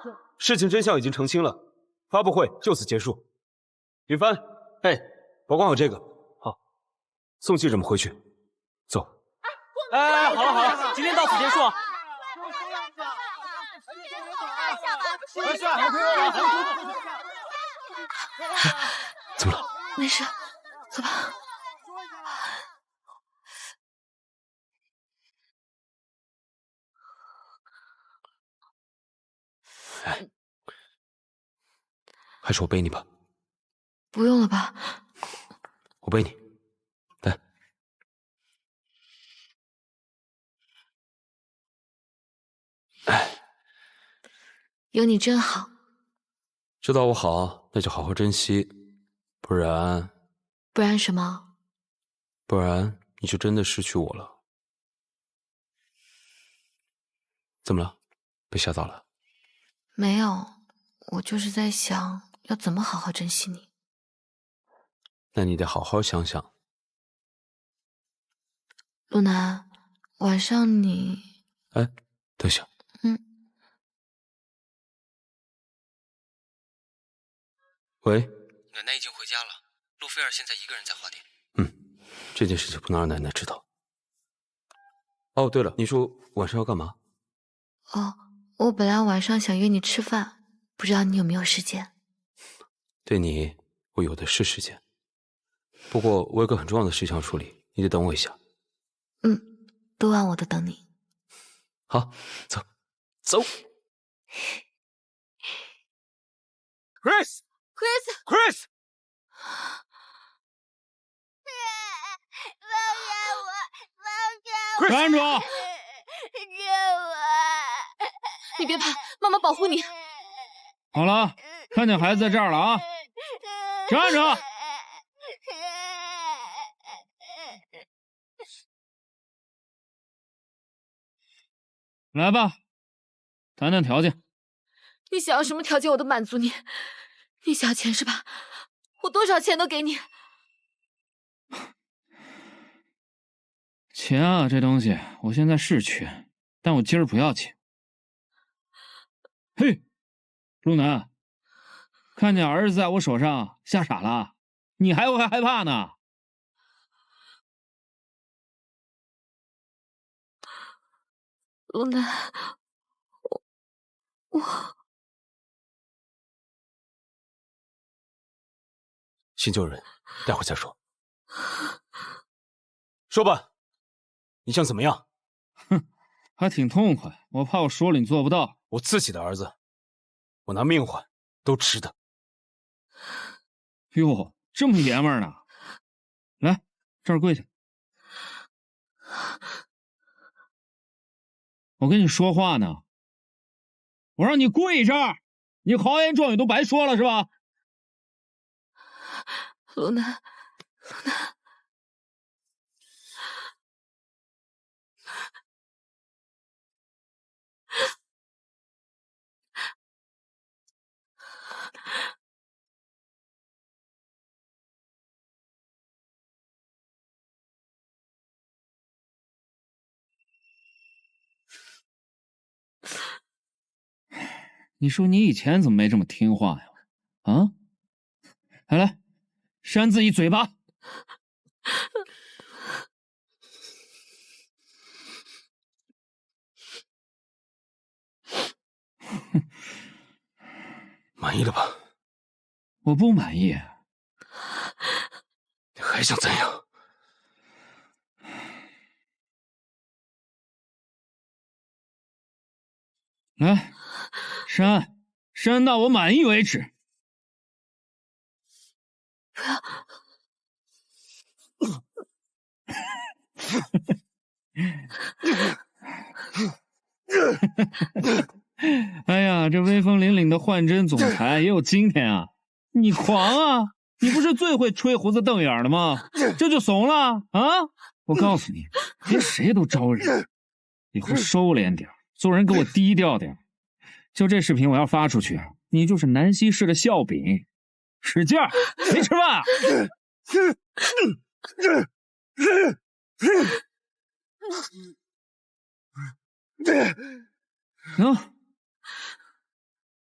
事情真相已经澄清了，发布会就此结束。云帆， 哎， 保管好这个。好，送记者们回去。走。 哎，好了好了，今天到此结束。 怎么了？ 没事，走吧。 哎，还是我背你吧。 不用了吧？ 我背你，来。哎， 有你真好。 知道我好，那就好好珍惜，不然什么？ 不然你就真的失去我了。怎么了？被吓到了？ 没有，我就是在想要怎么好好珍惜你。 那你得好好想想。 陆南，晚上你…… 哎，等下。喂， 奶奶已经回家了，陆菲儿现在一个人在花店。 这件事情不能让奶奶知道。哦，对了，你说晚上要干嘛？ 哦，我本来晚上想约你吃饭，不知道你有没有时间？ 对你，我有的是时间。不过我有个很重要的事情要处理，你得等我一下。 多晚我都等你。 好，走，走。Chris， 站住！ 救我！你别怕，妈妈保护你。 好了，看见孩子在这儿了啊！站着！来吧，谈谈条件。 你想要什么条件我都满足你。你想要钱是吧？我多少钱都给你。 钱啊，这东西我现在是缺，但我今儿不要钱。嘿，陆南，看见儿子在我手上吓傻了，你还会害怕呢？ 陆南，我先救人，待会再说。说吧，你想怎么样？ 哼，还挺痛快。我怕我说了你做不到。 我自己的儿子，我拿命换都值得。 哟，这么爷们儿呢？来，这儿跪下。我跟你说话呢，我让你跪这儿，你豪言壮语都白说了是吧？ 陆南， 你说你以前怎么没这么听话呀？啊，来，扇自己嘴巴。 满意了吧？ 我不满意。 你还想怎样？ 来，扇到我满意为止。 不要！ 哎呀，这威风凛凛的幻真总裁也有今天啊！你狂啊！你不是最会吹胡子瞪眼的吗？这就怂了啊！我告诉你，别谁都招惹，以后收敛点，做人给我低调点。就这视频我要发出去，你就是南溪市的笑柄。使劲儿，没吃饭啊？行，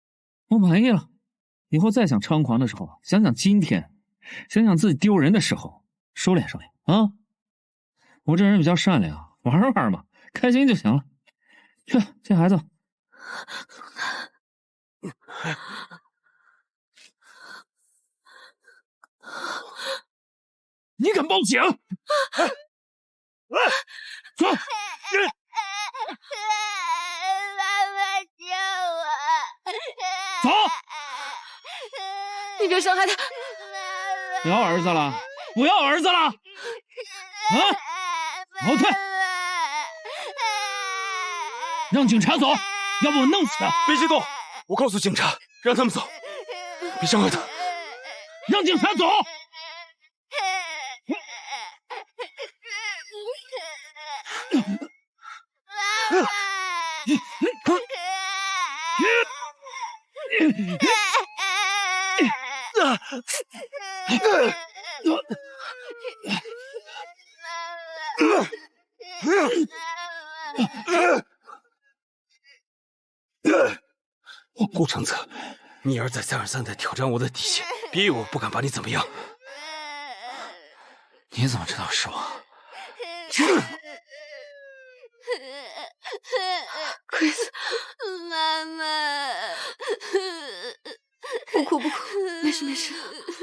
我满意了。以后再想猖狂的时候，想想今天，想想自己丢人的时候，收敛收敛啊！我这人比较善良，玩玩嘛，开心就行了。去接孩子。你敢报警？走！走！ 你别伤害他！ 不要儿子了！不要儿子了！啊！后退！让警察走，要不我弄死他！ 别激动，我告诉警察，让他们走，别伤害他。 让警察走！ 顾承泽，你儿子再而三的挑战我的底线，别以为我不敢把你怎么样。 你怎么知道是我 ？Chris， 妈妈， 不哭不哭，没事没事。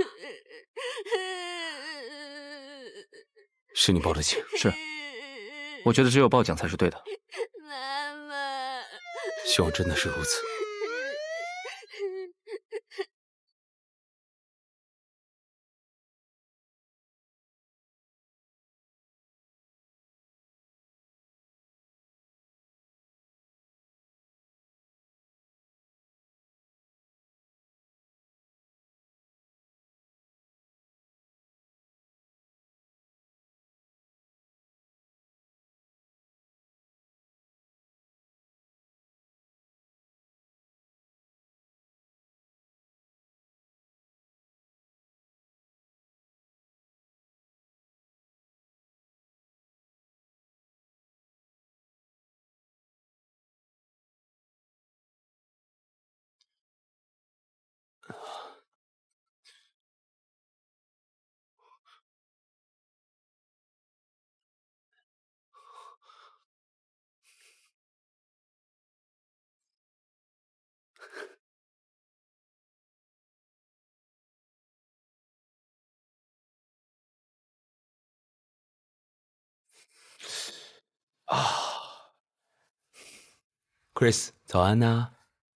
是你报的警？ 是，我觉得只有报警才是对的。 妈妈， 希望真的是如此。Chris， 早安呐。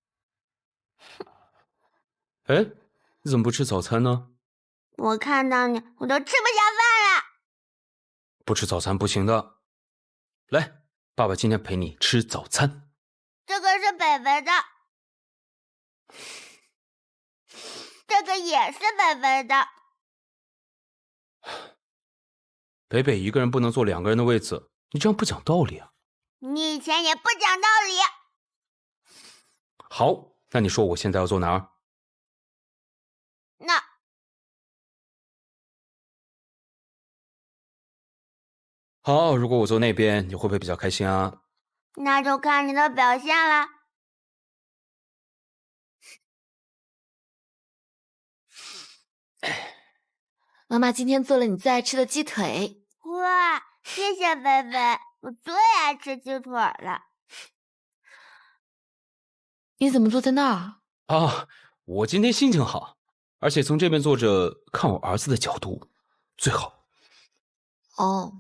哎，你怎么不吃早餐呢？ 我看到你，我都吃不下饭了。 不吃早餐不行的。来，爸爸今天陪你吃早餐。 这个是北北的，这个也是北北的。 北北一个人不能坐2个人的位子，你这样不讲道理啊。 你以前也不讲道理。 好，那你说我现在要坐哪儿？ 那好，如果我坐那边，你会不会比较开心啊？ 那就看你的表现了。 妈妈今天做了你最爱吃的鸡腿。 哇，谢谢北北，我最爱吃鸡腿了。 你怎么坐在那儿？ 啊，我今天心情好，而且从这边坐着看我儿子的角度最好。 哦。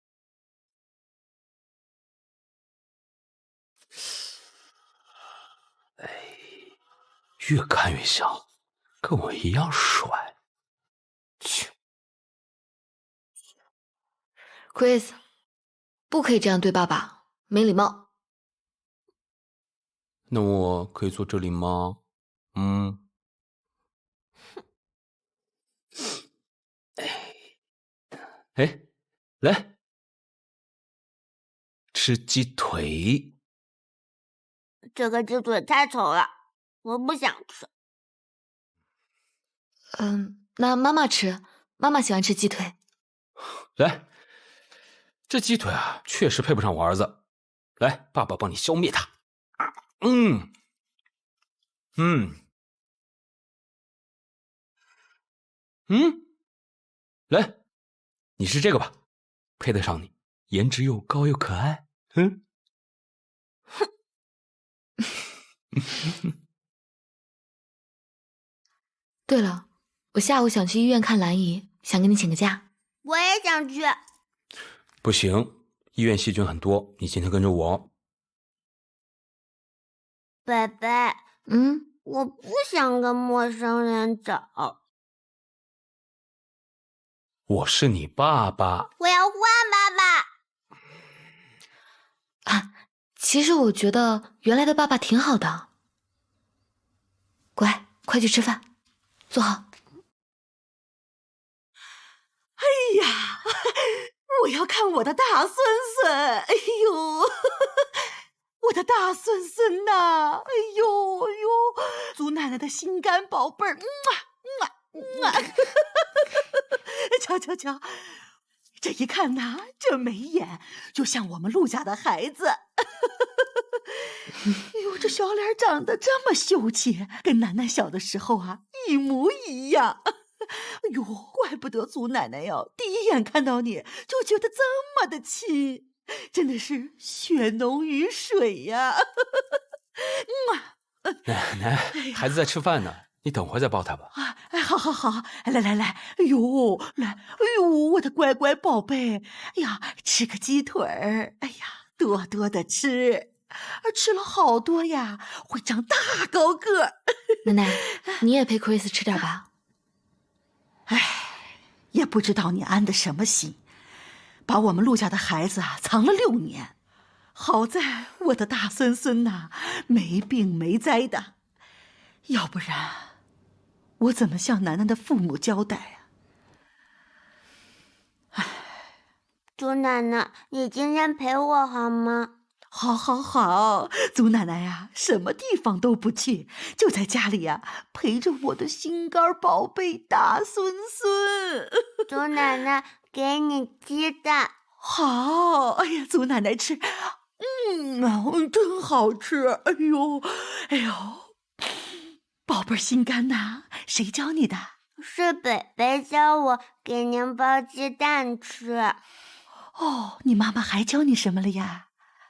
哎，越看越像，跟我一样帅。切 ，Chris， 不可以这样对爸爸，没礼貌。 那我可以坐这里吗？嗯。哎，来，吃鸡腿。 这个鸡腿太丑了，我不想吃。 那妈妈吃，妈妈喜欢吃鸡腿。 来，这鸡腿啊，确实配不上我儿子。来，爸爸帮你消灭它。 来，你是这个吧？配得上你，颜值又高又可爱。 对了，我下午想去医院看兰姨，想跟你请个假。 我也想去。 不行，医院细菌很多，你今天跟着我。 贝贝，我不想跟陌生人走。 我是你爸爸。 我要换爸爸。 啊，其实我觉得原来的爸爸挺好的。乖，快去吃饭，坐好。 哎呀，我要看我的大孙孙！哎呦，我的大孙孙呐！哎呦，祖奶奶的心肝宝贝儿，瞧，这一看呐，这眉眼就像我们陆家的孩子。哎呦，这小脸长得这么秀气，跟楠楠小的时候啊一模一样。哎呦，怪不得祖奶奶哟，第一眼看到你就觉得这么的亲，真的是血浓于水呀！ 奶奶，孩子在吃饭呢，你等会再抱他吧。 好，来，哎呦，我的乖乖宝贝，哎呀，吃个鸡腿儿，哎呀，多多的吃，吃了好多呀，会长大高个儿。 奶奶，你也陪 Chris 吃点吧。 也不知道你安的什么心，把我们陆家的孩子啊藏了6年，好在我的大孙孙呐没病没灾的，要不然我怎么向楠楠的父母交代啊？ 祖奶奶，你今天陪我好吗？ 好，祖奶奶呀，什么地方都不去，就在家里呀陪着我的心肝宝贝大孙孙。 祖奶奶，给你鸡蛋。 好，哎呀，祖奶奶吃，真好吃。哎呦，宝贝儿心肝呐，谁教你的？ 是北北教我给您包鸡蛋吃。 哦，你妈妈还教你什么了呀？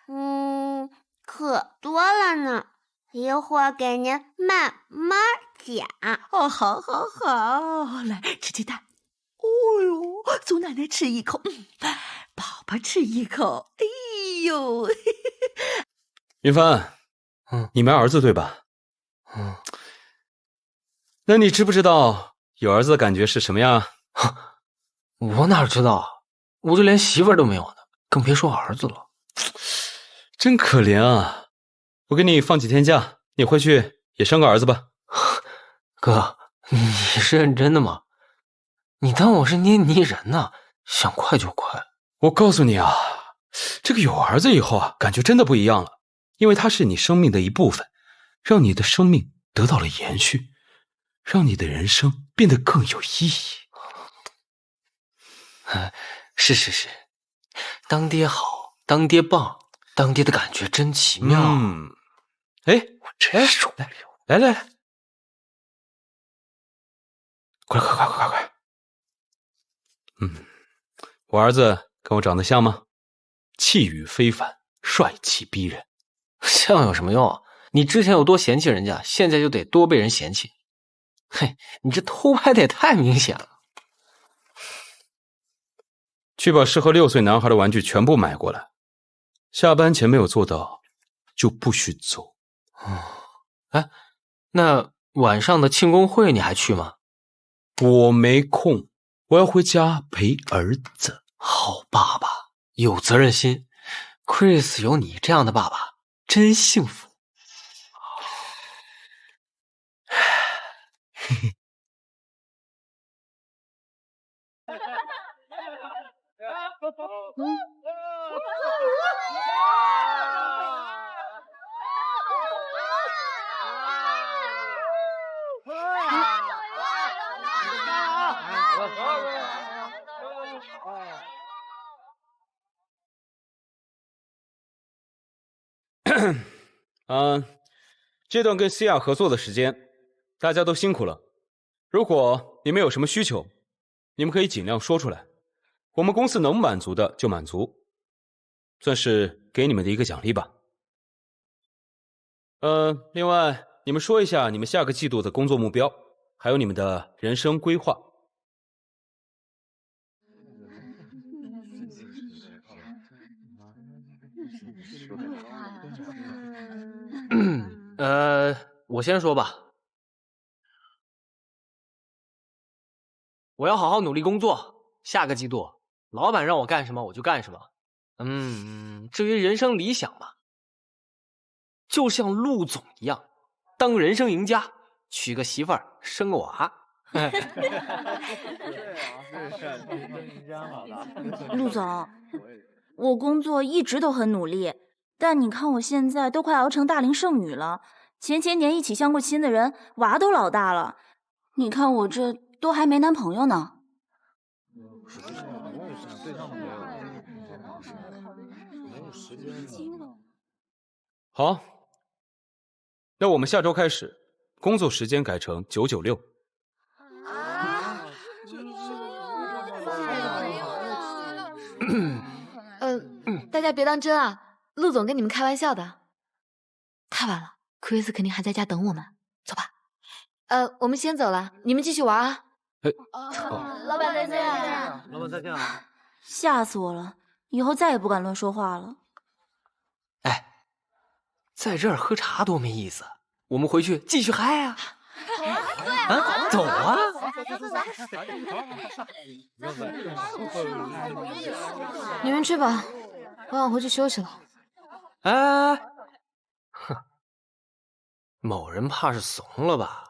可多了呢，一会儿给您慢慢讲。 哦，好，来吃鸡蛋。哦呦，祖奶奶吃一口，宝宝吃一口。哎呦， 云帆，你没儿子对吧？那你知不知道有儿子的感觉是什么样？ 我哪知道，我就连媳妇儿都没有呢，更别说儿子了。 真可怜啊！我给你放几天假，你回去也生个儿子吧。 哥，你是认真的吗？你当我是捏泥人呢？想快就快。 我告诉你啊，这个有儿子以后啊，感觉真的不一样了，因为他是你生命的一部分，让你的生命得到了延续，让你的人生变得更有意义。 是，当爹好，当爹棒。当爹的感觉真奇妙。 我真受不了。 来，快！我儿子跟我长得像吗？气宇非凡，帅气逼人。 像有什么用啊？你之前有多嫌弃人家，现在就得多被人嫌弃。嘿，你这偷拍的也太明显了。 去把适合6岁男孩的玩具全部买过来。下班前没有做到，就不许走。 那晚上的庆功会你还去吗？ 我没空，我要回家陪儿子。 好爸爸，有责任心。Chris 有你这样的爸爸，真幸福。 这段跟西亚合作的时间，大家都辛苦了。如果你们有什么需求，你们可以尽量说出来，我们公司能满足的就满足，算是给你们的一个奖励吧。另外，你们说一下你们下个季度的工作目标，还有你们的人生规划。 我先说吧。我要好好努力工作，下个季度老板让我干什么我就干什么。至于人生理想嘛，就像陆总一样，当人生赢家，娶个媳妇儿，生个娃。 陆总，我工作一直都很努力，但你看我现在都快熬成大龄剩女了，前年一起相过亲的人娃都老大了，你看我这都还没男朋友呢。 好，那我们下周开始，工作时间改成996。 大家别当真啊，陆总跟你们开玩笑的。太晚了，Chris 肯定还在家等我们，走吧。我们先走了，你们继续玩啊。 老板再见。 老板再见啊！ 吓死我了，以后再也不敢乱说话了。 哎，在这儿喝茶多没意思，我们回去继续嗨啊！啊，走啊！ 你们去吧，我想回去休息了。 哎，哼，某人怕是怂了吧？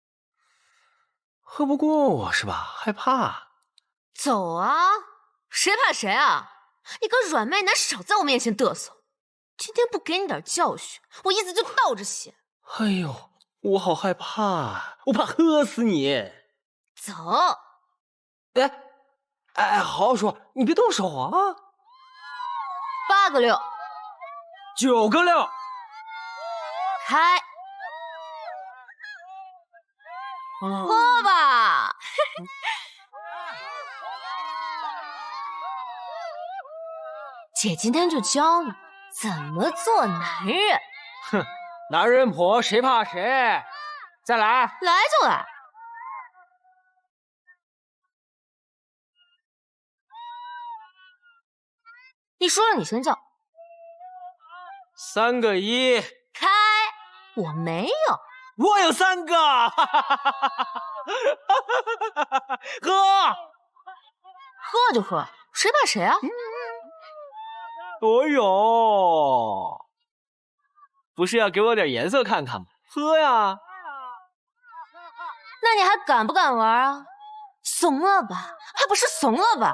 喝不过我是吧？害怕？ 走啊！谁怕谁啊！你个软妹男，少在我面前嘚瑟！今天不给你点教训，我一直就倒着写。 哎呦，我好害怕，我怕喝死你！ 走！ 哎，好好说，你别动手啊 8个6， ！9个6， 开！喝吧！姐今天就教你怎么做男人。 哼，男人婆谁怕谁？再来， 来就来。你说了，你先叫。 3个1， 开！我没有。 我有3个，喝就喝，谁怕谁啊？ 我有，不是要给我点颜色看看吗？喝呀！ 那你还敢不敢玩啊？怂了吧？还不是怂了吧？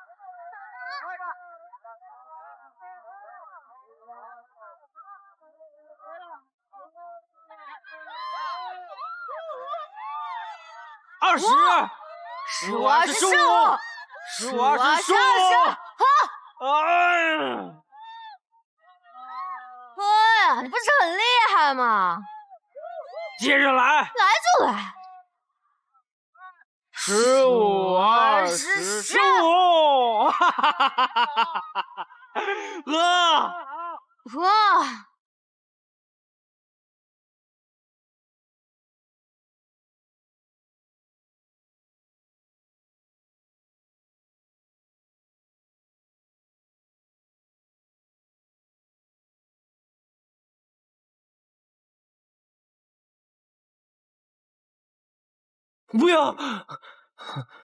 20、15、25、15、25， 喝呀！你不是很厉害吗？ 接着来， 来就来。 15、20、15，喝。不要！